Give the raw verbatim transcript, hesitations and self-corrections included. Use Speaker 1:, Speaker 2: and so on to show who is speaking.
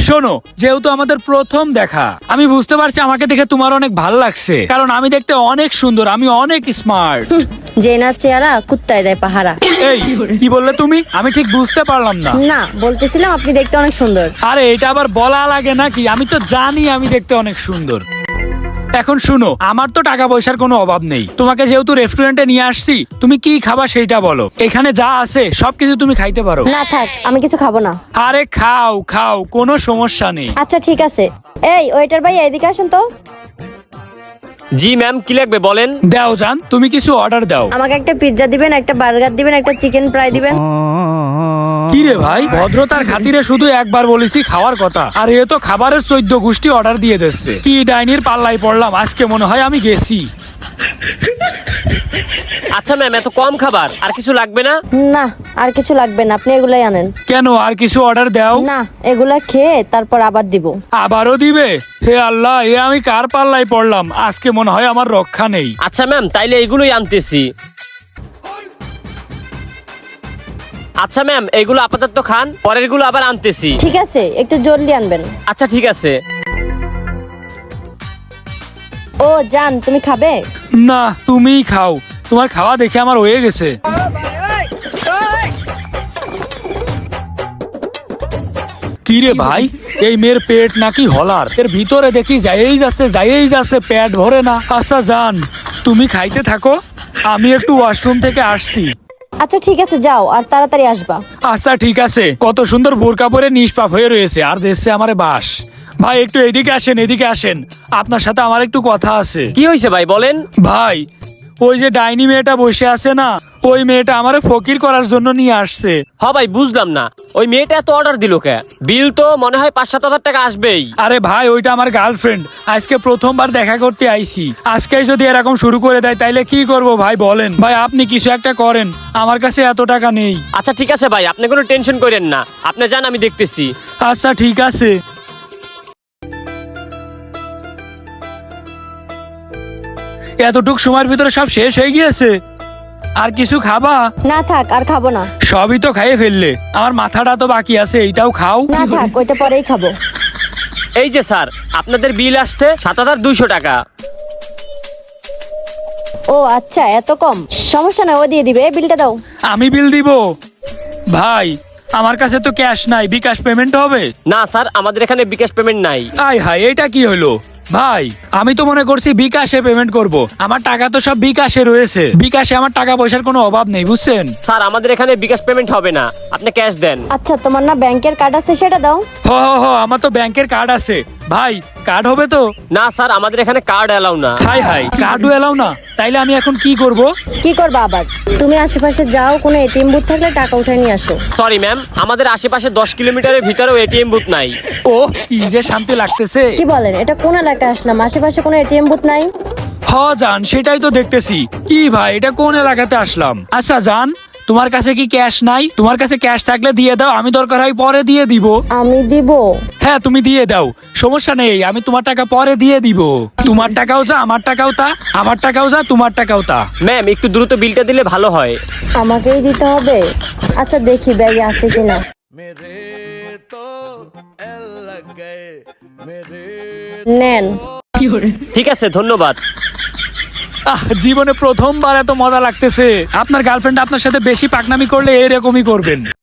Speaker 1: শোনো, যেহেতু আমাদের প্রথম দেখা, আমি বুঝতে পারছি আমাকে দেখে তোমার অনেক ভালো লাগছে, কারণ আমি দেখতে অনেক সুন্দর, আমি অনেক স্মার্ট।
Speaker 2: যে না চেহারা কুত্তায় দেয় পাহারা।
Speaker 1: এই কি বললে তুমি? আমি ঠিক বুঝতে পারলাম না।
Speaker 2: না, বলতেছিলাম আপনি দেখতে অনেক সুন্দর।
Speaker 1: আরে এটা আবার বলা লাগে নাকি? আমি তো জানি আমি দেখতে অনেক সুন্দর। এখন শুনো, আমার তো টাকা পয়সার কোনো অভাব নেই। তোমাকে যেহেতু রেস্টুরেন্টে নিয়ে আসছি, তুমি কি খাবা সেইটা বলো। এখানে যা আছে সবকিছু তুমি খাইতে পারো।
Speaker 2: না থাক, আমি কিছু খাবো না।
Speaker 1: আরে খাও খাও, কোনো সমস্যা নেই।
Speaker 2: আচ্ছা ঠিক আছে। এই ওয়েটার ভাই এদিকে আসেন তো।
Speaker 3: জি ম্যাম, কি লাগবে বলেন।
Speaker 1: দাও জান, তুমি কিছু অর্ডার দাও।
Speaker 2: আমাকে একটা পিৎজা দিবেন, একটা বার্গার দিবেন, একটা চিকেন ফ্রাই দিবেন।
Speaker 1: কি রে ভাই, ভদ্রতার খাতিরে শুধু একবার বলেছি খাওয়ার কথা, আর এ তো খাবারের চোদ্দ গোষ্ঠী অর্ডার দিয়ে দিচ্ছে। কি ডাইনির পাল্লাই পড়লাম আজকে, মনে হয় আমি গেছি।
Speaker 3: আচ্ছা ম্যাম, এত কম খাবার, আর কিছু লাগবে না?
Speaker 2: না, আর কিছু লাগবে না, আপনি এগুলাই আনেন।
Speaker 1: কেন, আর কিছু অর্ডার দাও।
Speaker 2: না, এগুলা খেয়ে তারপর আবার দিব।
Speaker 1: আবারও দিবে? হে আল্লাহ, এ আমি কার পাল্লাই পড়লাম আজকে, মনে হয় আমার রক্ষা নেই।
Speaker 3: আচ্ছা ম্যাম, তাইলে এইগুলোই আনতেছি। আচ্ছা ম্যাম, এইগুলো আপাতত খান, পরের গুলো আবার আনতেছি।
Speaker 2: ঠিক আছে, একটু জলদি আনবেন।
Speaker 3: আচ্ছা ঠিক আছে।
Speaker 2: ও জান, তুমি খাবে?
Speaker 1: না, তুমিই খাও, তোমার খাওয়া দেখে আমার হয়ে গেছে। কি রে ভাই, এই মেয়ের পেট নাকি হলার? এর ভিতরে দেখি যাইয়েই যাচ্ছে যাইয়েই যাচ্ছে, পেট ভরে না। আচ্ছা জান, তুমি খাইতে থাকো, আমি একটু ওয়াশরুম থেকে আসছি।
Speaker 2: আচ্ছা ঠিক আছে, যাও আর তাড়াতাড়ি আসবা।
Speaker 1: আচ্ছা ঠিক আছে। কত সুন্দর বোরকা পরে নিষ্পাপ হয়ে রয়েছে, আর দেখছে আমারে বাস। ভাই একটু এদিকে আসেন, এদিকে আসেন, আপনার সাথে আমার একটু কথা আছে।
Speaker 3: কি হয়েছে ভাই, বলেন।
Speaker 1: ভাই, ওই যে ডাইনি মেয়েটা বসে আছে না, ওই মেয়েটা আমারে ফকির করার জন্য নিয়ে আসছে।
Speaker 3: হ ভাই, বুঝলাম না, ওই মেয়েটা এত অর্ডার দিল কে? বিল তো মনে হয় পাঁচ সাত হাজার টাকা আসবেই।
Speaker 1: আরে ভাই, ওইটা আমার গার্লফ্রেন্ড, আজকে প্রথমবার দেখা করতে আইছি। আজকে যদি এরকম শুরু করে দেয় তাইলে কি করব ভাই বলেন। ভাই আপনি কিছু একটা করেন, আমার কাছে এত টাকা নেই।
Speaker 3: আচ্ছা ঠিক আছে ভাই, আপনি কোনো টেনশন করেন না, আপনি যান, আমি দেখতেছি।
Speaker 1: আচ্ছা ঠিক আছে। এতটুক সময়ের ভিতরে সব শেষ হয়ে গিয়েছে। আর কিছু খাবা?
Speaker 2: না থাক, আর খাবো না।
Speaker 1: সবই তো খাইয়ে ফেললে, আমার মাথাটা তো বাকি আছে, এইটাও খাও।
Speaker 2: না থাক, ওইটা পরেই খাবো।
Speaker 3: এই যে স্যার, আপনাদের বিল আসছে সাত হাজার দুইশো টাকা।
Speaker 2: ও আচ্ছা, এত কম? সমস্যা না, ও দিয়ে দিবে। এই বিলটা দাও।
Speaker 1: আমি বিল দিব? ভাই, আমার কাছে তো ক্যাশ নাই, বিকাশ পেমেন্ট হবে?
Speaker 3: না স্যার, আমাদের এখানে বিকাশ পেমেন্ট নাই।
Speaker 1: আয় হায়, এটা কি হলো ভাই? আমি তো মনে করছি বিকাশে পেমেন্ট করব। আমার টাকা তো সব বিকাশে রয়েছে, বিকাশে আমার টাকা পয়সার কোনো অভাব নেই, বুঝছেন?
Speaker 3: স্যার, আমাদের এখানে বিকাশ পেমেন্ট হবে না, আপনি ক্যাশ দেন।
Speaker 2: আচ্ছা, তোমার না ব্যাংকের কার্ড আছে, সেটা দাও।
Speaker 1: হ হ হ, আমার তো ব্যাংকের কার্ড আছে। ভাই, কার্ড হবে তো?
Speaker 3: না স্যার, আমাদের এখানে কার্ড এলাও না।
Speaker 1: হাই হাই, কার্ডও এলাও না? তাইলে আমি এখন কি করব?
Speaker 2: কি করবা আবার? তুমি আশেপাশে যাও, কোনো এটিএম বুথ থাকলে টাকা উঠায় নিয়ে আসো।
Speaker 3: সরি ম্যাম, আমাদের আশেপাশে দশ কিলোমিটারের ভিতরেও এটিএম বুথ নাই।
Speaker 1: ও, কি যে শান্তি লাগতেছে।
Speaker 2: কি বলেন, এটা কোন এলাকায় আসলাম? আশেপাশে কোনো এটিএম বুথ নাই?
Speaker 1: হ জান, সেটাই তো দেখতেছি। কি ভাই, এটা কোন এলাকাতে আসলাম? আচ্ছা জান, তোমার কাছে কি ক্যাশ নাই? তোমার কাছে ক্যাশ থাকলে দিয়ে দাও, আমি দরকার হয় পরে দিয়ে দিব।
Speaker 2: আমি দিব?
Speaker 1: হ্যাঁ তুমি দিয়ে দাও, সমস্যা নেই, আমি তোমার টাকা পরে দিয়ে দিব। তোমার টাকাও যা, আমার টাকাও তা, আমার টাকাও যা, তোমার টাকাও তা।
Speaker 3: ম্যাম, একটু দ্রুত বিলটা দিলে ভালো হয়।
Speaker 2: আমাকেই দিতে হবে? আচ্ছা দেখি ব্যাগে আছে কিনা। নেন।
Speaker 3: ঠিক আছে, ধন্যবাদ।
Speaker 1: আহ, জীবনে প্রথমবার এত মজা লাগতেছে। আপনার গার্লফ্রেন্ড আপনার সাথে বেশি পাকনামি করলে এরকমই করবেন।